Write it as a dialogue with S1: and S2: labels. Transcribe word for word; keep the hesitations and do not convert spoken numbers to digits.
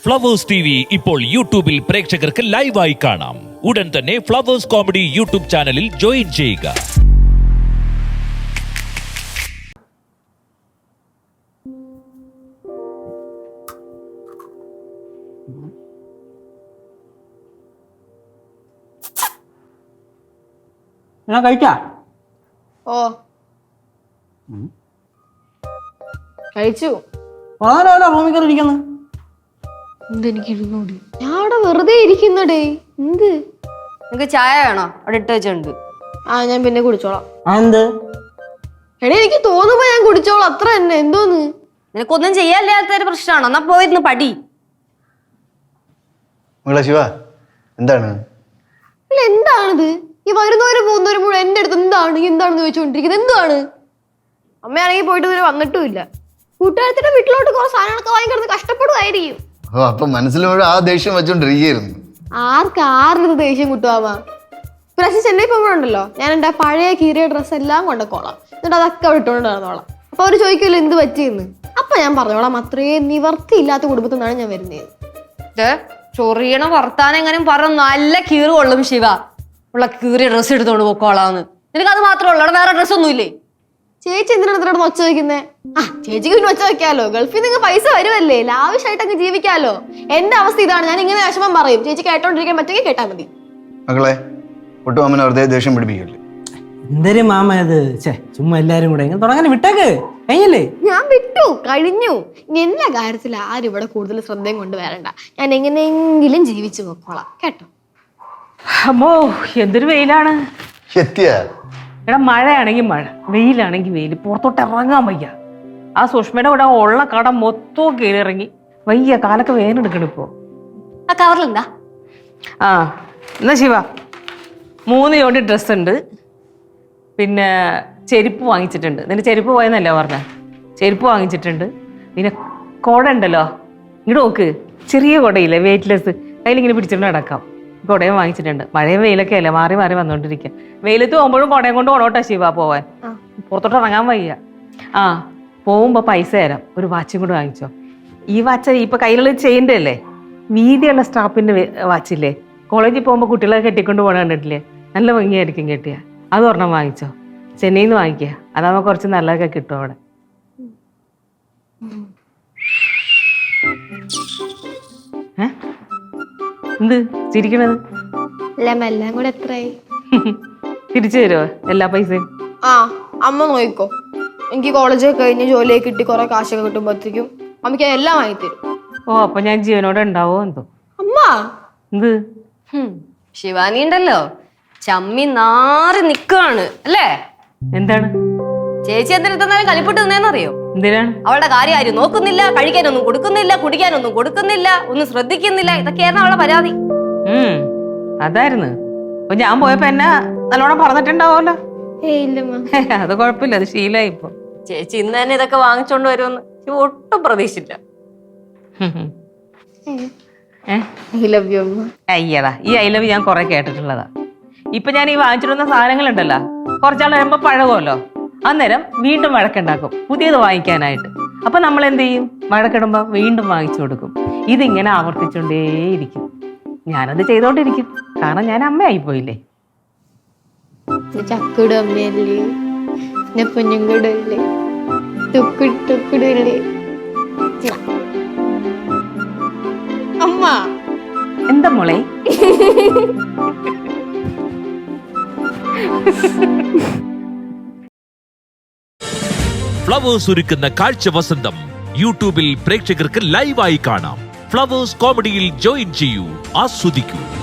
S1: Flowers T V ഇപ്പോൾ യൂട്യൂബിൽ പ്രേക്ഷകർക്ക് ലൈവായി കാണാം. ഉടൻ തന്നെ ഫ്ലവേഴ്സ് കോമഡി യൂട്യൂബ് ചാനലിൽ ജോയിൻ ചെയ്യുക.
S2: കഴിച്ചാ
S3: ഓ കഴിച്ചു.
S2: റൂമിൽ കയറി ഇരിക്കുന്നു.
S3: എന്തെനിക്ക് ഇരുന്നൂടി, ഞാൻ അവിടെ വെറുതെ ഇരിക്കുന്നടേ. എന്ത് നിനക്ക് ചായ വേണോ? അവിടെ ഇട്ട് വെച്ചിട്ടുണ്ട്. ആ ഞാൻ പിന്നെ കുടിച്ചോളാം.
S2: എന്ത്
S3: എടേ, എനിക്ക് തോന്നുമ്പോ ഞാൻ കുടിച്ചോളാം, അത്ര തന്നെ. എന്തോന്ന് നിനക്കൊന്നും ചെയ്യാനില്ലാത്തൊരു പ്രശ്നമാണോ? എന്നാ പോയിരുന്ന് പടി.
S4: ശിവ എന്താണ്
S3: എന്താണിത്? ഈ വരുന്നവരും പോകുന്നവരും മുഴുവൻ എന്റെ അടുത്ത് എന്താണ് എന്താണെന്ന് ചോദിച്ചുകൊണ്ടിരിക്കുന്നത്. എന്താണ്? അമ്മയാണെങ്കിൽ പോയിട്ട് ഇതുവരെ വന്നിട്ടും ഇല്ല. കൂട്ടുകാരത്തിന്റെ വീട്ടിലോട്ട് കുറെ സാധനങ്ങളൊക്കെ വാങ്ങിക്കിടന്ന് കഷ്ടപ്പെടുമായിരിക്കും.
S4: ഓ അപ്പൊ മനസ്സിലൂടെ ആ ദേഷ്യം വെച്ചോണ്ടിരിക്കുന്നു.
S3: ആർക്ക് ആരുടെ ദേഷ്യം കുട്ടുവാമാ? പ്രാവശ്യം ചെന്നൈ പോകുമ്പോഴുണ്ടല്ലോ, ഞാൻ എന്റെ പഴയ കീറിയ ഡ്രസ്സ് എല്ലാം കൊണ്ടക്കോളാം, എന്നിട്ട് അതൊക്കെ അവിടെ ഇട്ടുകൊണ്ട് നടന്നോളാം. അപ്പൊ അവര് ചോദിക്കുമല്ലോ എന്ത് പറ്റിയെന്ന്. അപ്പൊ ഞാൻ പറഞ്ഞോളാം, അത്രയും നിവർത്തി ഇല്ലാത്ത കുടുംബത്തിൽ നിന്നാണ് ഞാൻ വരുന്നത്. ചൊറിയണ വർത്താനം എങ്ങനെയും പറഞ്ഞു നല്ല കീറ് കൊള്ളും ശിവ. ഉള്ള കീറിയ ഡ്രസ്സ് എടുത്തോണ്ട് പോക്കോളാന്ന്. നിനക്ക് അത് മാത്രമേ ഉള്ളൂ, അവിടെ വേറെ ഡ്രസ്സ് ഒന്നും ഇല്ലേ? ചേച്ചി എന്തിനാണ് ഇതിനോട് ഒച്ച വയ്ക്കുന്നേ? ആ ചേച്ചിക്ക് പിന്നെ ഒച്ച വെക്കാലോ, ഗൾഫിൽ നിങ്ങൾ പൈസ വരുമല്ലേ, ലാവിഷായിട്ട് അങ്ങ് ജീവിക്കാലോ. എന്റെ അവസ്ഥ ഇതാണ്, ഞാൻ ഇങ്ങനെ വിഷമം പറയും. ചേച്ചി കേട്ടോണ്ടിരിക്കാൻ പറ്റുമെങ്കിൽ കേട്ടാ മതി.
S4: മകളെ ഒട്ടുമാമനെ വെറുതെ ദേഷ്യം പിടിപ്പിക്കല്ലേ.
S2: എന്തൊരു മാമ ഇത്, ചുമ്മാ എല്ലാരും കൂടെ തുടങ്ങാൻ വിട്ടേക്ക്. കഴിഞ്ഞല്ലേ?
S3: ഞാൻ വിട്ടു, കഴിഞ്ഞു. ഇനി എല്ലാ കാര്യത്തിലും ആരും ഇവിടെ കൂടുതൽ ശ്രദ്ധയും കൊണ്ട് വരണ്ട. ഞാൻ എങ്ങനെയെങ്കിലും ജീവിച്ചു പോക്കോളാം, കേട്ടോ?
S5: അമ്മോ എന്തൊരു വെയിലാണ്.
S4: എത്തിയാ
S5: എടാ, മഴയാണെങ്കിൽ മഴ, വെയിലാണെങ്കിൽ വെയിൽ, പുറത്തോട്ട് ഇറങ്ങാൻ വയ്യ. ആ സുഷ്മയുടെ കൂടെ ഉള്ള കട മൊത്തവും കീഴിറങ്ങി വയ്യ, കാലൊക്കെ വേനെടുക്കണം ഇപ്പോ.
S3: ആ കവറിലെന്താ?
S5: ആ എന്നാ ശിവ, മൂന്ന് ജോഡി ഡ്രസ്സ് ഉണ്ട്, പിന്നെ ചെരുപ്പ് വാങ്ങിച്ചിട്ടുണ്ട്. നിന്റെ ചെരുപ്പ് പോയെന്നല്ലേ പറഞ്ഞ? ചെരുപ്പ് വാങ്ങിച്ചിട്ടുണ്ട്. പിന്നെ കുട ഉണ്ടല്ലോ, ഇങ്ങോട്ട് നോക്ക്, ചെറിയ കുടയില്ലേ, വെയിറ്റ്ലെസ്, കയ്യിലിങ്ങനെ പിടിച്ചിട്ട് നടക്കാം. കുടയും വാങ്ങിച്ചിട്ടുണ്ട്. മഴയും വെയിലൊക്കെ അല്ലേ, മാറി മാറി വന്നോണ്ടിരിക്കുക. വെയിലത്ത് പോകുമ്പോഴും കുടയും കൊണ്ട് ഓണോട്ടാ ശിവ പോവാൻ, പുറത്തോട്ട് ഇറങ്ങാൻ വയ്യ. ആ പോകുമ്പോ പൈസ തരാം, ഒരു വാച്ചും കൂടെ വാങ്ങിച്ചോ. ഈ വാച്ച് ഇപ്പൊ കയ്യിലുള്ള ചെയിൻ്റെ അല്ലേ, വീതിയുള്ള സ്റ്റാപ്പിന്റെ വാച്ചില്ലേ, കോളേജിൽ പോകുമ്പോൾ കുട്ടികളെ കെട്ടിക്കൊണ്ട് പോകണ കണ്ടിട്ടില്ലേ, നല്ല ഭംഗിയായിരിക്കും കെട്ടിയ. അത് ഒരെണ്ണം വാങ്ങിച്ചോ, ചെന്നൈയിൽ നിന്ന് വാങ്ങിക്കുക, അതാകുമ്പോൾ കുറച്ച് നല്ലതൊക്കെ കിട്ടും അവിടെ. ഏ എന്ത് ചിരിക്കണത്?
S3: എല്ലാം കൂടെ എത്രയായി?
S5: തിരിച്ചു തരുമോ എല്ലാ പൈസയും?
S3: ആ അമ്മ നോക്കിക്കോ. എനിക്ക് കോളേജൊക്കെ കഴിഞ്ഞ് ജോലിയൊക്കെ കിട്ടി കുറെ കാശൊക്കെ കിട്ടുമ്പോഴത്തേക്കും അമ്മയ്ക്ക് എല്ലാം വാങ്ങിത്തരും.
S5: ഓ അപ്പൊ ഞാൻ ജീവനോടെ ഉണ്ടാവോ എന്തോ.
S3: അമ്മ
S5: എന്ത്
S3: ശിവാനി ഉണ്ടല്ലോ, ചമ്മി നാറി നിക്കാണ് അല്ലേ?
S5: എന്താണ്
S3: ചേച്ചി എന്തിനാലും കളിപ്പിട്ട് നിന്നേന്നറിയോ?
S5: എന്തിനാണ്?
S3: അവളുടെ കാര്യം ആരും നോക്കുന്നില്ല, കഴിക്കാനൊന്നും കൊടുക്കുന്നില്ല, കുടിക്കാനൊന്നും കൊടുക്കുന്നില്ല, ഒന്നും ശ്രദ്ധിക്കുന്നില്ല. ഇതൊക്കെയായിരുന്നു അവളുടെ പരാതി.
S5: ഉം അതായിരുന്നു. അപ്പൊ ഞാൻ പോയപ്പോ എന്നെ നല്ലോണം പറഞ്ഞിട്ടുണ്ടാവുമല്ലോ. അത് കുഴപ്പമില്ല, അത് ശീലമായി ഇപ്പൊ.
S3: ചേച്ചി ഇന്ന് തന്നെ ഇതൊക്കെ വാങ്ങിച്ചോണ്ട് വരുമെന്ന് ഒട്ടും പ്രതീക്ഷിച്ചില്ല.
S5: അയ്യടാ, ഈ ഐ ലവ് ഞാൻ കുറെ കേട്ടിട്ടുള്ളതാ. ഇപ്പൊ ഞാൻ ഈ വാങ്ങിച്ചിടുന്ന സാധനങ്ങളുണ്ടല്ലോ, കുറച്ചാൾ വരുമ്പോ പഴകുമല്ലോ, അന്നേരം വീണ്ടും വഴക്കുണ്ടാക്കും പുതിയത് വാങ്ങിക്കാനായിട്ട്. അപ്പൊ നമ്മൾ എന്ത് ചെയ്യും? വഴക്കിടുമ്പോ വീണ്ടും വാങ്ങിച്ചു കൊടുക്കും. ഇതിങ്ങനെ ആവർത്തിച്ചുകൊണ്ടേയിരിക്കും. ഞാനത് ചെയ്തോണ്ടിരിക്കും, കാരണം ഞാൻ അമ്മയായി പോയില്ലേ.
S3: ചക്കുട് അമ്മയല്ലേ, പൊന്നുകൂടല്ലേ, ടുക്കിടല്ലേ അമ്മ.
S5: എന്താ മോളെ?
S1: ഫ്ലവേഴ്സ് ഒരുക്കുന്ന കാഴ്ച വസന്തം യൂട്യൂബിൽ പ്രേക്ഷകർക്ക് ലൈവായി കാണാം. ഫ്ലവേഴ്സ് കോമഡിയിൽ ജോയിൻ ചെയ്യൂ, ആസ്വദിക്കൂ.